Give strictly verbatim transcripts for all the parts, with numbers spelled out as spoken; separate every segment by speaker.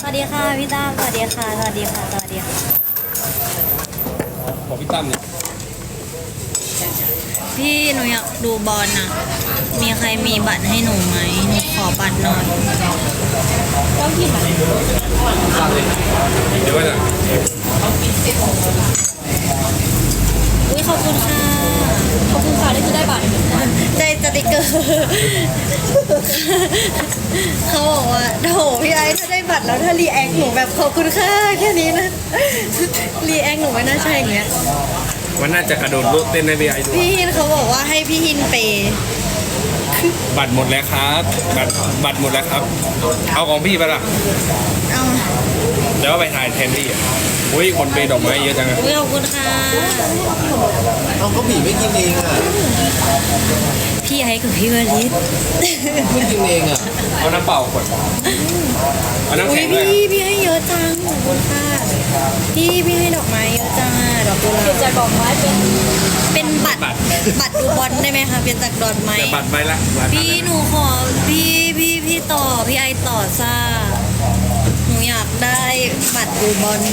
Speaker 1: วัสดีค่ะพี่ตั้มสวัสดีค่ะสวัสดีค่ะสวัสดีค่ะ
Speaker 2: ขอพี่ตั้มเนี่ย
Speaker 1: พี่หนูอยากดูบอลน่ะมีใครมีบัตรให้หนูไหมหนูขอบัตรหน่อยต้องกินไหม
Speaker 2: เดี๋ยวว่าจะ
Speaker 1: อุ้ยขอบคุณค่ะขอบคุณค่ะที่จะได้บัตรได้สติกเกอร์เขาบอกว่าโถพี่ไอ้ถ้าได้บัตรแล้วถ้ารีแอคหนูแบบขอบคุณค่ะแค่นี้นะรีแอคหนูไม่น่าใช่อย่างเงี้ย
Speaker 2: มันน่าจะกระโดดโลดเต้นในบีไอดู
Speaker 1: พี่ฮินเขาบอกว่าให้พี่ฮินเปย์
Speaker 2: บัตรหมดแล้วครับบัตรบัตรหมดแล้วครับเอาของพี่ไปละ
Speaker 1: เอา
Speaker 2: เดี๋ยวไปถ่ายแทนพี่อ่ะอุ้ยคนเปย์ดอกไม้เยอะจังอะ
Speaker 1: ขอบคุณค่ะ
Speaker 3: เอาก็ผีไม่กินเองอ่ะ
Speaker 1: พี่ไอ้กับพี่วลิศ
Speaker 3: ไม่กินเองอ่ะ
Speaker 2: เอาน้ำเปล่าขวดเอาน้ำ
Speaker 1: อุ้ย
Speaker 2: แข็งเลย
Speaker 1: พี่พี่ให้เยอะจังขอบคุณค่ะพี่พี่ให้ดอกไม้เยอะจังอ่ะดอกกุหลาบจากดอกไม้เป็นเป็นบัตรบัตรดูบอลได้ไหมคะเป็นจากดอกไม้
Speaker 2: บัตรไปละ
Speaker 1: พี่หนูขอพี่พี่พี่ต่อพี่ไอต่อซ่าหนูอยากได้บัตรดูบอล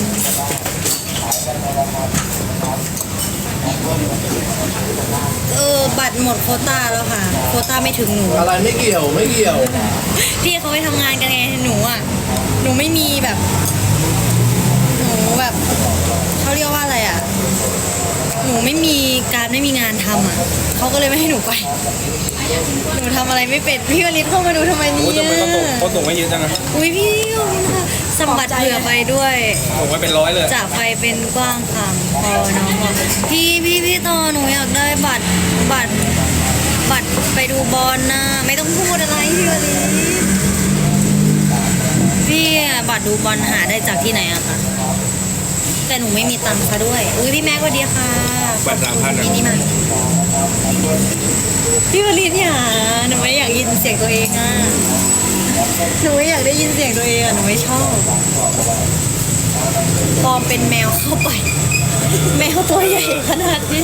Speaker 1: เออบัตรหมดโควต้าแล้วค่ะโควต้าไม่ถึงหนู
Speaker 3: อะไรไม่เกี่ยวไม่เกี่ยว
Speaker 1: พี่เขาไปทำงานกันไงหนูอ่ะหนูไม่มีแบบหนูแบบเขาเรียกว่าอะไรอ่ะหนูไม่มีการไม่มีงานทำอ่ะเขาก็เลยไม่ให้หนูไปหนูทำอะไรไม่เป็นพี่วลิศเข้ามาดูทำไมเนี่ย
Speaker 2: โอ้ทำไมเขาตกเขาตกไม่เยอะจังอะ
Speaker 1: อุ้ยพี่ขอบคุณค่ะสมบัติเผื่อไปด้วย
Speaker 2: ตกไว้เป็นร้อยเลย
Speaker 1: จากไฟเป็นกว้างค่ะพอน้องบอกพี่พี่พี่ต่อหนูอยากได้บัตรบัตรบัตรไปดูบอลนะไม่ต้องพูดอะไรพี่วลิศพี่บัตรดูบอลหาได้จากที่ไหนอะคะแต่หนูไม่มีตังค์ซะด้วยอุ้ยพี่แม็กสวัสดีค่ะ
Speaker 2: บัตรสามพัน
Speaker 1: พี่นี่มาพี่วลิศอย่าหนูไม่อยากยินเสียงตัวเองอ่ะหนูไม่อยากได้ยินเสียงตัวเองอ่ะหนูไม่ชอบปลอมเป็นแมวเข้าไปแมวตัวใหญ่ขนาดนี้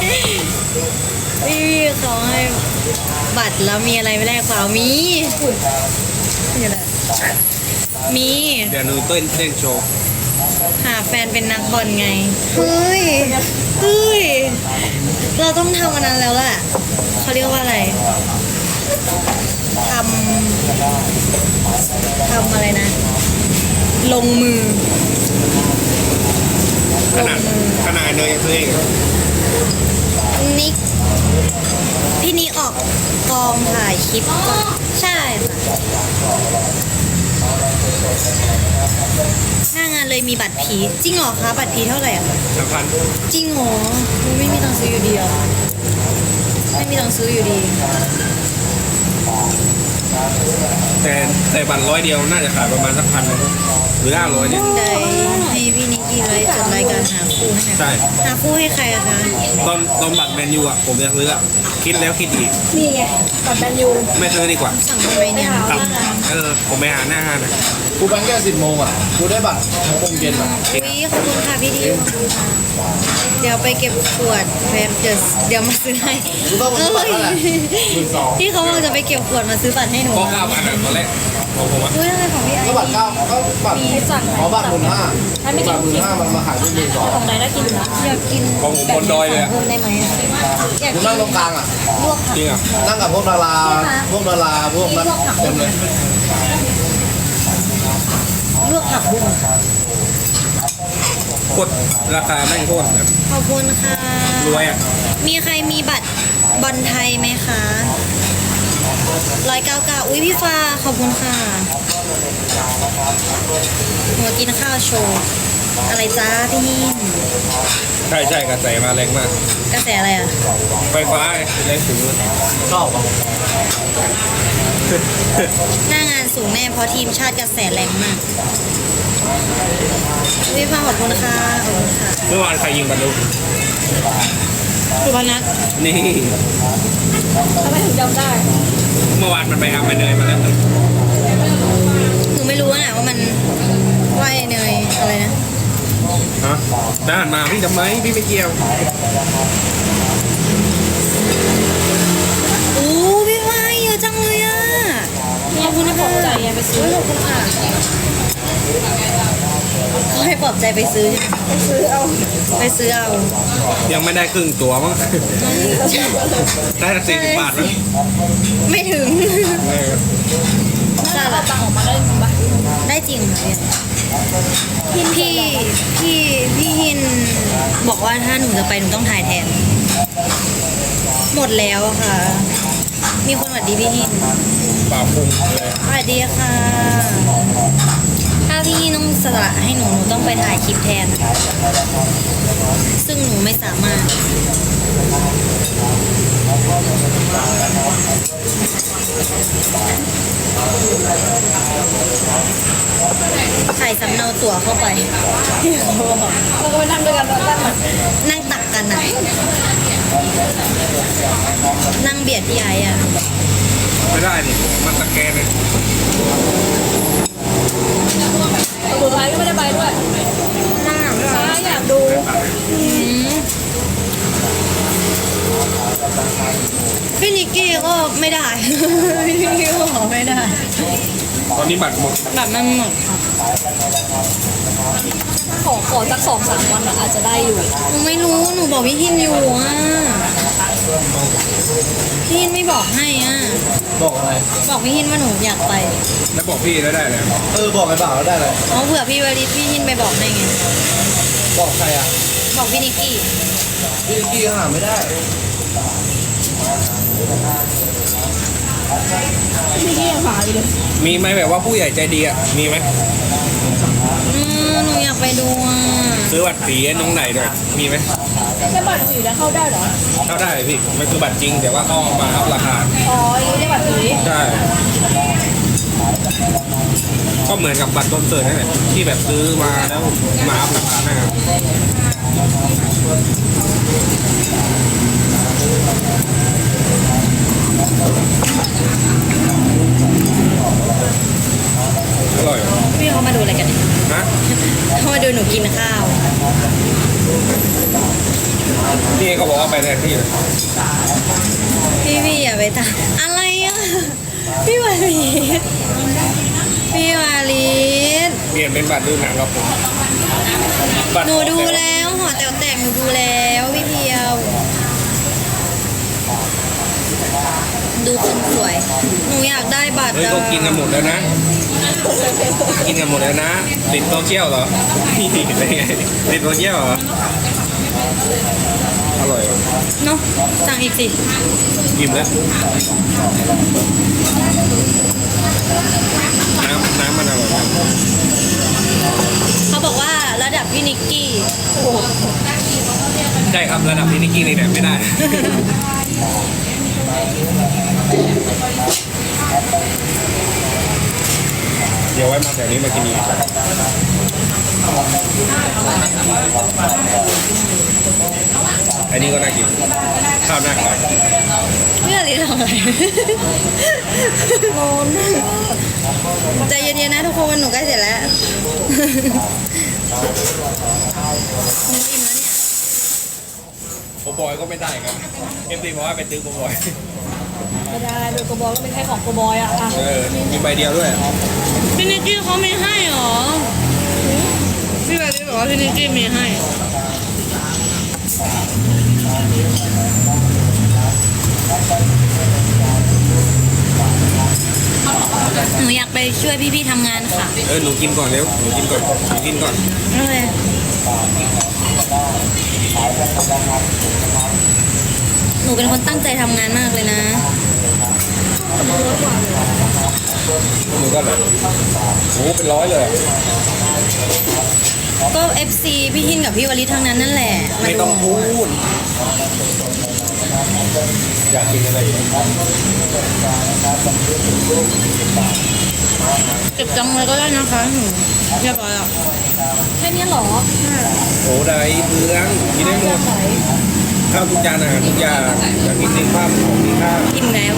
Speaker 1: พี่เขาให้บัตรแล้วมีอะไรไม่แลกเปล่ามีมีอะไรมี
Speaker 2: เดี๋ยวหนูเต้นเต้นโชว์
Speaker 1: หาแฟนเป็นนักบอลไงเฮ้ยเฮ้ยเราต้องทำอันนั้นแล้วแหละเขาเรียกว่าอะไรทำทำอะไรนะลงมือ
Speaker 2: ขนาดขนาดเนยยังซื้อเอง
Speaker 1: นิกพี่นิกออกกองถ่ายคลิปก็ใช่ค่ะหน้างานเลยมีบัตรผีจริงเหรอคะบัตรผีเท่าไหร่อ่ะ
Speaker 2: สามพัน
Speaker 1: จริงเหรอไม่มีตังค์ซื้ออยู่ดีอ่ะไม่มีตังค์ซื้ออยู่ดี
Speaker 2: แต่แต่บัตรร้อยเดียวน่าจะขายประมาณสักพันนึงหรือห้าร้อยเนี่ย
Speaker 1: ได้ให้พี่นิกกี้ไลฟ์จัดรายการหาคู่ให้
Speaker 2: ใช่
Speaker 1: หาคู่ให้ใครอะคะ
Speaker 2: ตอนตอนบัตรแมนยูอ่ะผมจะซื้ออ่ะคิดแล้วคิดอีก
Speaker 1: นี่ไงบัตรแมนยู
Speaker 2: ไม่ซื้อดีกว่า
Speaker 1: สั่งทำไมเนี่ย
Speaker 2: เออผมไปหาหน้าห้างนะ
Speaker 3: กูไปแค่สิบโมงอ่ะกูได้บัตรหกโมงเย็นอ่ะ
Speaker 1: วิขอบคุณค่ะพี่ดิวเดี๋ยวไปเก็บขวดแป๊บเดี๋ยวเดี๋ยวมาซื้อให้
Speaker 3: กูต้องมาซื้อบัตรแล้วแหละ
Speaker 1: พี่เขาบอกจะไปเก็บขวดมาซื้อบัตรให้หนู
Speaker 2: ก็เก้าพันตอนแรกของผมอ่ะ
Speaker 1: อุ้ยอะไรของพี่ไอ้
Speaker 3: ก็บัตรเก้าก็บัตรขอบัตรหมื่นห้าบัตรหมื่นห้ามันมาขายที่หมื่นสอง
Speaker 1: ของไหนน่ากินนะอยากกิน
Speaker 2: ของผมบนดอยเลย
Speaker 1: เพิ่มได้ไหมอยาก
Speaker 3: กูนั่งตรงกลางอ่ะ
Speaker 1: ลวก
Speaker 2: จริงอ่ะ
Speaker 3: นั่งกับพวกดาราพวกดาราพวกนั้นเต็มเลย
Speaker 1: ลวกผักบุ้ง
Speaker 2: กดราคาแม่งโคตรแบบ
Speaker 1: ขอบคุณค่ะ
Speaker 2: รวยอ่ะ
Speaker 1: มีใครมีบัตรบอลไทยไหมคะร้อยเก้าเก้าอุ้ยพี่ฟ้าขอบคุณค่ะหัวกินข้าวโชว์อะไรจ้าพี่หิน
Speaker 2: ใช่ใช่กระแสมาแรงมาก
Speaker 1: กระแสอะไรอ่ะ
Speaker 2: ไฟฟ้าแรงสูง
Speaker 3: ชอบอ่ะ
Speaker 1: หน้างานสูงแน่เพราะทีมชาติกระแสแรงมากพี่ฟ้าขอบคุณค่ะขอบคุณค่ะ
Speaker 2: เมื่อวานใครยิงบอลลูก
Speaker 1: สุพนัท
Speaker 2: นี่
Speaker 1: ทำไมถึงจำได้
Speaker 2: เมื่อวานมันไปเอาไปเนยมาแล้ว
Speaker 1: หนูไม่รู้นะว่ามันว่าไอเนยอะไรนะ
Speaker 2: ฮะด้านมาพี่ทำไมพี่ไม่เกี่ยว
Speaker 1: โอ้พี่ว่าเยอะจังเลยอ่ะขอบคุณที่ปลอบใจไปซื้อขอบคุณค่ะบอกใจไปซื้อใช่ไหม
Speaker 4: ซื้อเอา
Speaker 1: ไปซื้อเอา
Speaker 2: ยังไม่ได้ครึ่งตัวมั้ง ได้สักสี่สิบบาทมั้ง
Speaker 1: ไม่ถึง
Speaker 2: เออ
Speaker 1: จ้า
Speaker 4: เอา
Speaker 1: ละ
Speaker 4: ตังค์ออกมาได้จริงปะ
Speaker 1: ได้จริงค่ะพี่พี่พี่พี่ฮินบอกว่าถ้าหนูจะไปหนูต้องถ่ายแทน หมดแล้วอะค่ะ มีคนหวัดดีพี่ฮิน
Speaker 2: เปล่าปรุงเลย
Speaker 1: สวัสดีค่ะ ถ้าพี่ฮินต้องสละให้หนูหนูต้องไปถ่ายคลิปแทน ซึ่งหนูไม่สามารถ ใส่สำเนาตั๋วเข้าไป
Speaker 4: เราก็ไปนั่งด้วยกันตอนนั้น
Speaker 1: นั่งตักกันอะนั่งเบียดพี่ไอ้อะ
Speaker 2: ไม่ได้ดิมันสแกนเลย
Speaker 4: สุดท้ายก็ไม่ได้ไปด้วย
Speaker 1: นั่ง
Speaker 4: ช้าอยากดู
Speaker 1: อืมพี่นิกกี้ก็ไม่ได้ พี่นิกกี้ก็บอกไม่ได้
Speaker 2: ตอนนี้บัตรหมด
Speaker 1: แบบมันหมดค่ะ
Speaker 4: ขอขอสักสองสามวันอะอาจจะได้อยู่
Speaker 1: หนูไม่รู้ หนูบอกพี่ฮินอยู่อ่ะ พี่ฮินไม่บอกให้อ่ะ
Speaker 3: บอกอะไร
Speaker 1: บอกพี่ฮินว่าหนูอยากไป
Speaker 2: แล้วบอกพี่แล้วได้เลย
Speaker 3: เออบอกไอ้บ่าวแล้วได้เลย
Speaker 1: อ๋อเผื่อพี่วริศพี่ฮินไปบอกให้ไง
Speaker 3: บอกใครอ่ะ
Speaker 1: บอกพี่นิกกี้
Speaker 3: พี่นิกกี้หาไม่ได้
Speaker 4: พี่ที่ยังหาอยู่เลย
Speaker 2: มีไหมแบบว่าผู้ใหญ่ใจดีอ่ะมีไหม
Speaker 1: อืมหนูอยากไปดูอ่ะ
Speaker 2: ซื้อบัตรผีให้น้องไหนด้วยมีไหม
Speaker 4: แค่บัตรสีแล้วเข้าได้เหรอ
Speaker 2: เข้าได้พี่มันคือบัตรจริงแต่ว่าเขาเอามาอัพราคา
Speaker 4: อ๋อยังได้บัตรสี
Speaker 2: ใช่ก็เหมือนกับบัตรคอนเสิร์ตนั่นแหละที่แบบซื้อมาแล้วมาอัพราคานะครับอร่อยเหรอ
Speaker 1: พี่เขามาดูอะไรกันเนี่ย
Speaker 2: ฮะ
Speaker 1: เขามาดูหนูกินข้าว
Speaker 2: นี่เขาบอกว่าไปแทนที่เลย
Speaker 1: พี่พี่อย่าไปตามอะไรอ่ะ พี่วาลีดพี่วาลีด
Speaker 2: เปลี่ยนเป็นบัตรดูหนังครับผมบัตร
Speaker 1: หนูดูแล้วหอแต๋วแตกหนูดูแล้วพี่เพียว ดูคนสวย หนูอยากได้บัตร
Speaker 2: เฮ้ย
Speaker 1: อะ
Speaker 2: เขากินกันหมดแล้วนะ กินกันหมดแล้วนะ ติดโซเชียลเหรอ ได้ไงติดโซเชียลเหรอ อร่อยเหรอ
Speaker 1: เนาะสั่งอีกสิ
Speaker 2: อิ่มแล้ว น้ำน้ำมันอร่อยมาก
Speaker 1: เขาบอกว่าระดับพี่นิกกี้
Speaker 2: ใช่ครับระดับพี่นิกกี้นี่แหละไม่ได้ เดี๋ยวไว้มาแถวนี้มากินอีกอันนี้ก็น่ากิน ข้าวหน้าไก่
Speaker 1: พี่วาลีดทำอะไรงงใจเย็นๆนะทุกคนหนูใกล้เสร็จแล้ว หนูอิ่มแล้วเนี่ย
Speaker 2: โอบอยก็ไม่ได้ครับเอ็มซีบอกว่าไปตื้อโอบอย
Speaker 4: ไม่ได้โดยโกบอยก็เป็นแค่ของโกบอยอะอ่ะ
Speaker 2: เออมีใบเดียวด้วย
Speaker 1: พี่นิกกี้เขาไม่ให้หรอ พี่วาลีบอกว่าพี่นิกกี้มีให้ หนูอยากไปช่วยพี่ๆทำงานค่ะ
Speaker 2: เออหนูกินก่อนเร็วหนูกินก่อนหนูกินก่อน
Speaker 1: โอเคหนูเป็นคนตั้งใจทำงานมากเลยนะ
Speaker 2: หนูก็แบบโอ้เป็นร้อยเลย
Speaker 1: ก็ เอฟ ซี พี่หินกับพี่วลิศทั้งนั้นนั่นแหละา
Speaker 2: ไม่ต้องพูด อยากกินอะไรอีก
Speaker 1: เก็บจังเลยก็ได้นะคะหนูเรียบร้อยแล้ว
Speaker 4: แค่นี้เหรอ
Speaker 2: โอ้ได้เพื่องกินได้หมดข้าวทุกจานอาหารทุกอย่างอยากกินจริงภาพของมีค่า
Speaker 1: อิ่มแล้ว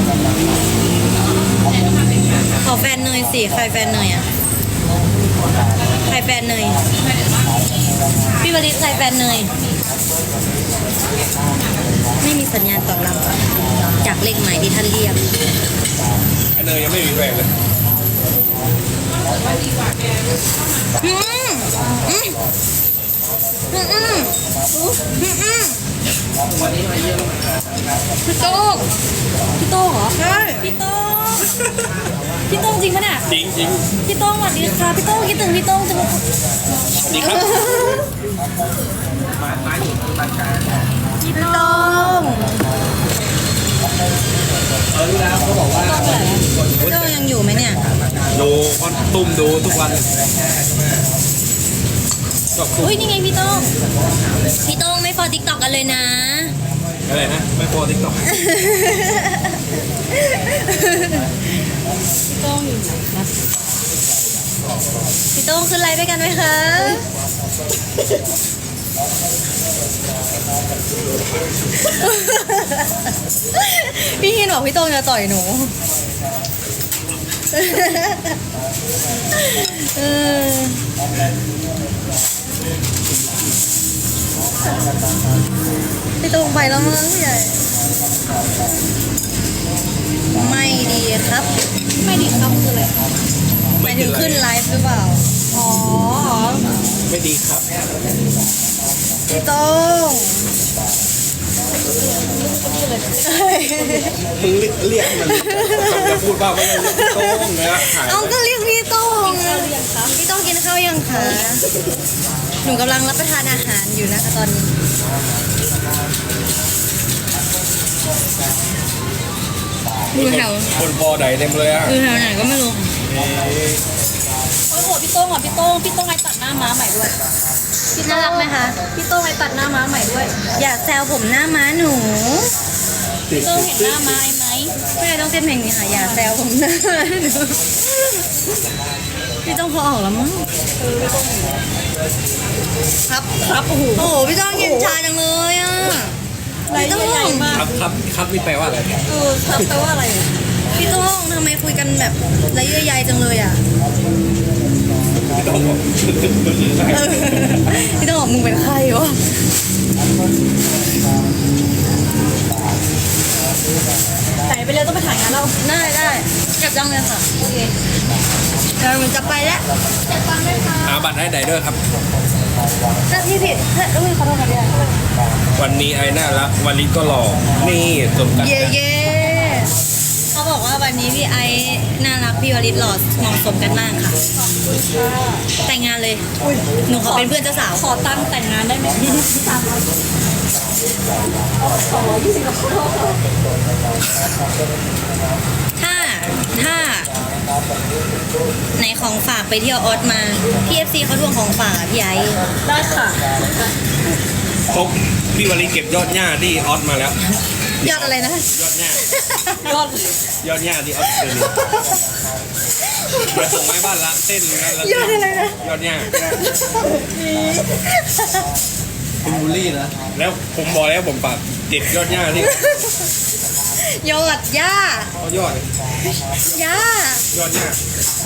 Speaker 1: ขอแฟนเนยสิใครแฟนเนยอ่ะใครแฟนเนยพี่วลิศใครแฟนเนยไม่มีสัญญาณตอบรับจากเลขหมายที่ท่านเรียก
Speaker 2: อันเนยยังไม่มีแฟนเลย
Speaker 1: อืมอืมอืมอืมอืมอืม
Speaker 4: พี่โต้งพี่โต้งเหรอ
Speaker 1: ใช่
Speaker 4: พี่โต้งพี่โต้งจริงปะเนี่ย
Speaker 2: จริงจริง
Speaker 4: พี่โต้งสวัสดีค่ะพี่โต้งคิดถึงพี่โต้งจังเลย
Speaker 2: ดีครับ
Speaker 1: พี่ต้อง
Speaker 2: เออรู้แล้วเขาบอกว่า
Speaker 1: พี่ต้องยังอยู่ไหมเนี่ย
Speaker 2: ดูคอนตุ้มดูทุกวันชอบตุ้ม
Speaker 1: อุ้ยนี่ไงพี่ต้องพี่ต้องไม่ฟอติ๊กต็อกกันเลยนะ
Speaker 2: อะไรนะไม่พอติ๊กต็อก
Speaker 4: พี่โต้งอยู่ไหนครับ
Speaker 1: พี่ต้องขึ้นไลฟ์ด้วยกันไหมคะพี่ฮินบอกพี่ต้องจะต่อยหนูเออพี่ต้องไปแล้วมั้งผู้ใหญ่ไม่ดีครับ
Speaker 4: ไม่ดีครับคืออะไร
Speaker 1: หมายถึงขึ้นไลฟ์หรือเปล่า
Speaker 4: อ๋อ
Speaker 2: ไม่ดีครับ
Speaker 1: พี่ต้อง
Speaker 2: มึงเรียกมันจะพูดบ้าไม่ได้โต้งนะหาย
Speaker 1: เอาก็เรียกพี่ต้องอะพี่ต้องกินข้าวยังคะหนูกำลังรับประทานอาหารอยู่นะคะตอนนี้อยู่แถว
Speaker 2: คนพอไหนเต็มเลยอ่ะ
Speaker 1: อยู่แถวไหนก็ไม่รู้
Speaker 4: โอ้โหพี่โต้งอ่ะพี่โต้งพี่โต้งไอตัดหน้าม้าใหม่ด้วย
Speaker 1: น่ารักไหมคะ
Speaker 4: พี่โต้งไอตัดหน้าม้าใหม่ด้วย
Speaker 1: อยากแซวผมหน้าม้าหนู
Speaker 4: พี่โต้งเห็นหน้าม้าไอไหม
Speaker 1: ไม่ต้องเต้นเพลงนี้ค่ะอยากแซวผมหน้าม้าหนูพี่ต้องพอออกแล้วมั้งครับ
Speaker 4: ครับโอ้โห
Speaker 1: โอ้โหพี่ต้องกินชาจังเลยอ่ะ
Speaker 4: ไรใหญ่มาก
Speaker 2: ครับครับครับนี่แปลว่าอะไร
Speaker 4: เออครับแปลว่าอะไร
Speaker 1: พี่ต้องทำไมคุยกันแบบระเยื่อใยจังเลยอ่ะ
Speaker 2: ไม่ต้องบอก
Speaker 1: เออพี่ต้องบอกมึงเป็นใครวะ
Speaker 4: ไหนไปเร็วต้องไปถ่ายงานเรา
Speaker 1: ได้ได้เก็บจังเลยค่ะ
Speaker 4: โอเค
Speaker 1: เดี๋ยวมันจะไปแล้ว
Speaker 4: เจ็บตังค์ด้วยค่ะ
Speaker 2: หาบัตรให้ไดเดอร์ครับ
Speaker 1: ถ้าพี่ผิดถ้าอุ้ยขอโทษค่ะพี่
Speaker 2: วันนี้ไอ้น่ารักวันนี้ก็หล่อนี่สมกัน
Speaker 1: เย่เย่เขาบอกว่าวันนี้พี่ไอน่ารักพี่วริศหล่อเหมาะสมกันมากค่ะ แต่งงานเลย หนูขอเป็นเพื่อนเจ้าสาว
Speaker 4: ขอตังค์แต่งงานได้ไหมสามร้อยสองร้อยยี่สิบ
Speaker 1: ถ้าถ้าไหนของฝากไปเที่ยวออสมาพี่เอฟซีเขาทวงของฝากอะพี่ไอ
Speaker 4: ได้ค่ะ
Speaker 2: ครบพี่วลีเก็บยอดหญ้าที่ออสมาแล้ว
Speaker 1: ยอดอะไรนะ
Speaker 2: ยอดหญ้าย
Speaker 4: อด
Speaker 2: ยอดหญ้าที่ออสเตรเลียเดี๋ยวส่งไม้บ้านละเต้นนั่นละ
Speaker 1: ยอดอะไรนะ
Speaker 2: ยอดหญ้า
Speaker 3: คุณบูลลี่นะ
Speaker 2: แล้วผมบอกแล้วผมปรับเด็ดยอดหญ้าที่
Speaker 1: ยอดย่า
Speaker 2: เขายอด
Speaker 1: ย่าย
Speaker 2: อดหญ้าย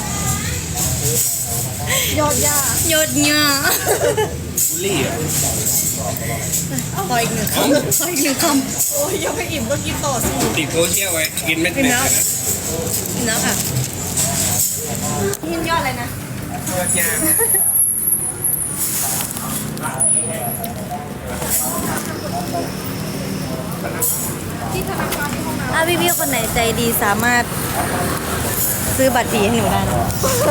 Speaker 4: อดย่าย
Speaker 1: อดย่า
Speaker 2: บูลลี่อ่ะ
Speaker 1: ขออีกหนึ่งคำขออีกหนึ่งค
Speaker 4: โอ้ยยังไม่อิ่มก็กินต่อสิ
Speaker 2: ติดโซเชียลไว้กินเม็ดเม็ดนะ
Speaker 1: ำนะค่ะ
Speaker 4: กินยอดอะไรนะ
Speaker 2: ยอดหญ้า
Speaker 4: ที่ธนาคารที่ห้องน้
Speaker 1: ถ้าพี่ๆคนไหนใจดีสามารถซื้อบัตรผีให้หนูได้นะ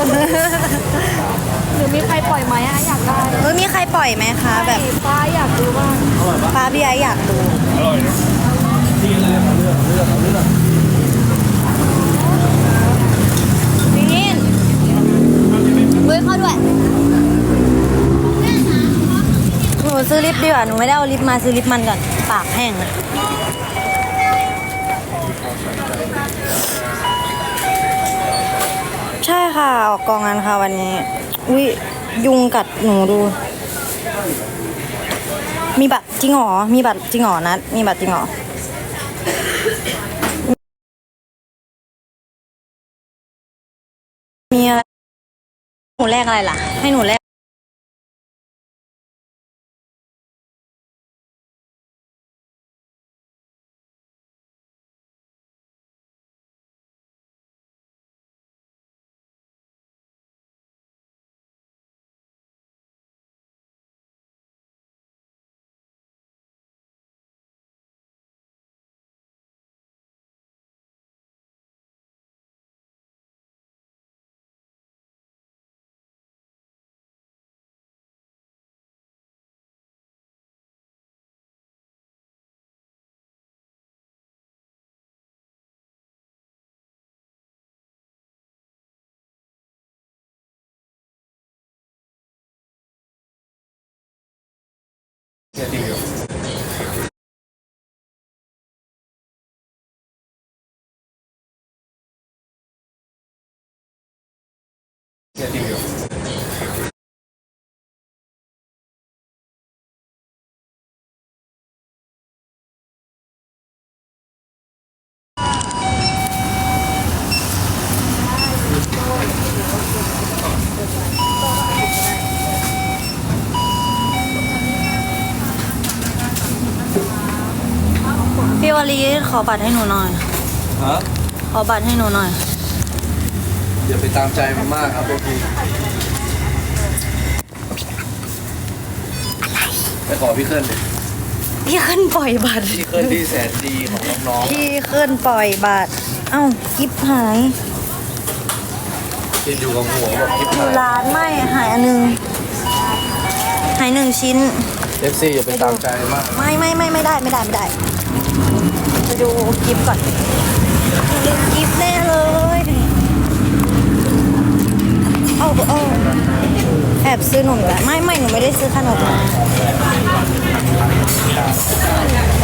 Speaker 4: ำหรือมีใครปล่อยไหมอะอยากได้
Speaker 1: เออมีใครปล่อยไหมคะ แบบ
Speaker 4: ฟ้าอยากดูบ้าง
Speaker 1: ฟ้าพี่ไออยากดู
Speaker 2: อร่อยนะ
Speaker 1: นี่เฮ้ยเข้าด้วยหนูซื้อลิปดีกว่าหนูไม่ได้เอาลิปมาซื้อลิปมันก่อนปากแห้งอะใช่ค่ะออกกองงานค่ะวันนี้อุ้ยยุงกัดหนูดู มีบัตรจริงหรอมีบัตรจริงหรอนัดมีบัตรจริงหรอมีอะไรหนูแลกอะไรล่ะ ให้หนูแลก
Speaker 3: เนี่ยจริงอยู่เนี่ยจริงอยู่
Speaker 1: พี่วลีขอบัตรให้หนูหน่อย
Speaker 3: ฮะ
Speaker 1: ขอบัตรให้หนูหน่อย
Speaker 3: อย่าไปตามใจมันมากครับบางทีไปขอพี่เคลื่อนดิ
Speaker 1: พี่ขึ้นปล่อยบัตร
Speaker 3: พี่เคลื่อนที่แสนดีของน้อง
Speaker 1: พี่ขึ้นปล่อยบัตร เอ้ากิฟหาย
Speaker 3: ๆกินอยู่กับหัวแบบคิด
Speaker 1: อยู่ร้านไม่หายอันหนึง หายหนึ่งชิ้น
Speaker 3: เอฟซีอย่าไปตามใจมาก
Speaker 1: ไม่ไม่ไม่ไม่ได้ไม่ได้ไม่ได้ไปดูกิฟก่อนดูกิฟแน่เลยเอาเอาแอบซื้อหนมแล้วไม่ไม่หนูไม่ได้ซื้อขนมมา